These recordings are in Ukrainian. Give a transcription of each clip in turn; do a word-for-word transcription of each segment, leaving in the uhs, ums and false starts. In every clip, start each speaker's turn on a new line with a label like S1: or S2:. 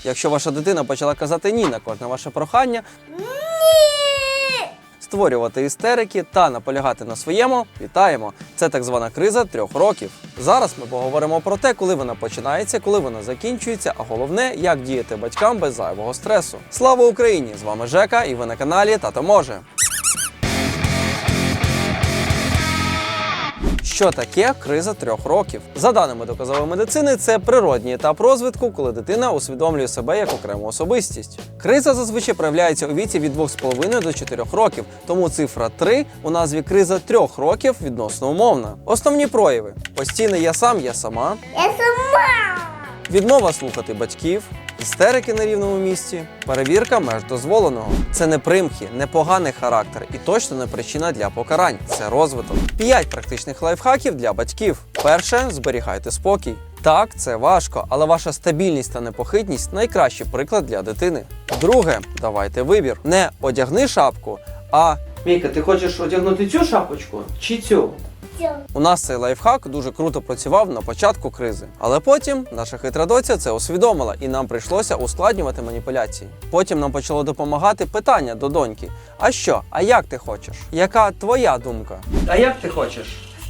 S1: Якщо ваша дитина почала казати «ні» на кожне ваше прохання, створювати істерики та наполягати на своєму, вітаємо! Це так звана криза трьох років. Зараз ми поговоримо про те, коли вона починається, коли вона закінчується, а головне, як діяти батькам без зайвого стресу. Слава Україні! З вами Жека і ви на каналі Тато Може. Що таке криза трьох років? За даними доказової медицини, це природній етап розвитку, коли дитина усвідомлює себе як окрему особистість. Криза зазвичай проявляється у віці від двох з половиною до чотирьох років, тому цифра три у назві криза трьох років відносно умовна. Основні прояви: постійне «я сам, я сама»,
S2: Я сама.
S1: відмова слухати батьків, істерики на рівному місці, перевірка меж дозволеного. Це не примхи, не поганий характер і точно не причина для покарань. Це розвиток. П'ять практичних лайфхаків для батьків. Перше – зберігайте спокій. Так, це важко, але ваша стабільність та непохитність – найкращий приклад для дитини. Друге – давайте вибір. Не одягни шапку, а «Мійка, ти хочеш одягнути цю шапочку чи цю?» У нас цей лайфхак дуже круто працював на початку кризи. Але потім наша хитра доця це усвідомила і нам прийшлося ускладнювати маніпуляції. Потім нам почало допомагати питання до доньки. А що? А як ти хочеш? Яка твоя думка? А як ти хочеш?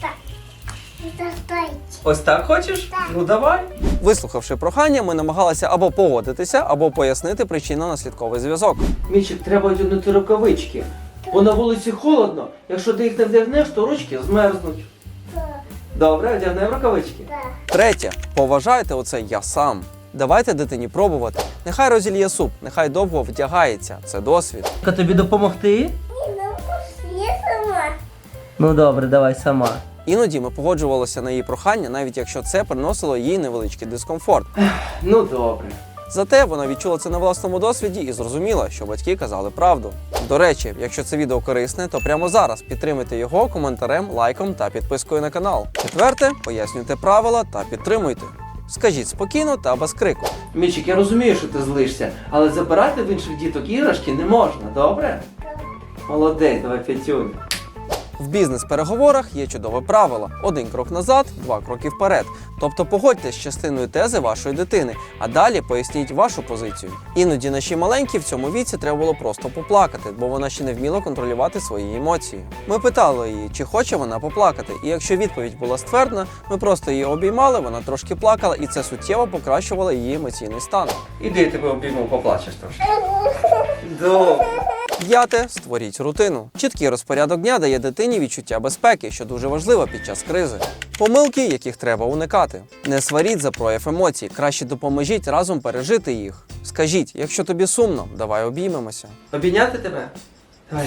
S1: Ось так хочеш?
S2: Так.
S1: Ну давай. Вислухавши прохання, ми намагалися або погодитися, або пояснити причинно-наслідковий зв'язок.
S3: Мічик, треба одягнути рукавички, бо на вулиці холодно. Якщо ти їх не вдягнеш, то ручки змерзнуть. Добре, одягнемо рукавички.
S1: Третє. Поважайте оце «я сам». Давайте дитині пробувати. Нехай розільє суп, нехай довго вдягається. Це досвід.
S3: Тобі допомогти?
S2: Ні, ну я сама.
S3: Ну добре, давай сама.
S1: Іноді ми погоджувалися на її прохання, навіть якщо це приносило їй невеличкий дискомфорт.
S3: Ну добре.
S1: Зате вона відчула це на власному досвіді і зрозуміла, що батьки казали правду. До речі, якщо це відео корисне, то прямо зараз підтримуйте його коментарем, лайком та підпискою на канал. Четверте, пояснюйте правила та підтримуйте. Скажіть спокійно та без крику.
S3: Мічик, я розумію, що ти злишся, але забирати в інших діток іграшки не можна, добре? Молодець, давай п'ятюнь.
S1: В бізнес-переговорах є чудове правило: один крок назад, два кроки вперед. Тобто погодьтесь з частиною тези вашої дитини, а далі поясніть вашу позицію. Іноді наші маленькі в цьому віці треба було просто поплакати, бо вона ще не вміла контролювати свої емоції. Ми питали її, чи хоче вона поплакати, і якщо відповідь була ствердна, ми просто її обіймали, вона трошки плакала, і це суттєво покращувало її емоційний стан.
S3: Іди, я тебе обійму, поплачеш трошки.
S1: Добре. П'яте. Створіть рутину. Чіткий розпорядок дня дає дитині відчуття безпеки, що дуже важливо під час кризи. Помилки, яких треба уникати. Не сваріть за прояв емоцій, краще допоможіть разом пережити їх. Скажіть, якщо тобі сумно, давай обіймемося.
S3: Обійняти тебе? Давай.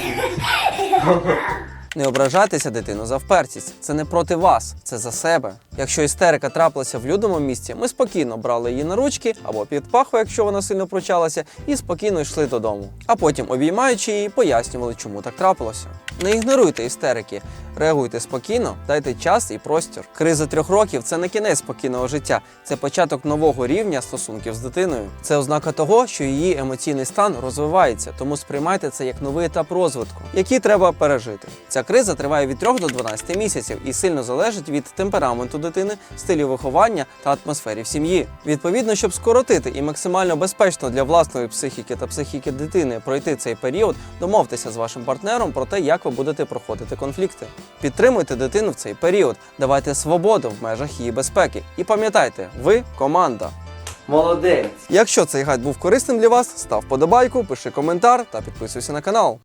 S1: Не ображайтеся дитину за впертість. Це не проти вас, це за себе. Якщо істерика трапилася в людному місці, ми спокійно брали її на ручки або під паху, якщо вона сильно пручалася, і спокійно йшли додому. А потім, обіймаючи її, пояснювали, чому так трапилося. Не ігноруйте істерики, реагуйте спокійно, дайте час і простір. Криза трьох років – це не кінець спокійного життя, це початок нового рівня стосунків з дитиною. Це ознака того, що її емоційний стан розвивається, тому сприймайте це як новий етап розвитку, який треба пережити. Ця криза триває від трьох до дванадцяти місяців і сильно залежить від темпераменту дитини, стилю виховання та атмосфері в сім'ї. Відповідно, щоб скоротити і максимально безпечно для власної психіки та психіки дитини пройти цей період, домовтеся з вашим партнером про те, як ви будете проходити конфлікти. Підтримуйте дитину в цей період, давайте свободу в межах її безпеки. І пам'ятайте, ви – команда.
S3: Молодець.
S1: Якщо цей гайд був корисним для вас, став вподобайку, пиши коментар та підписуйся на канал.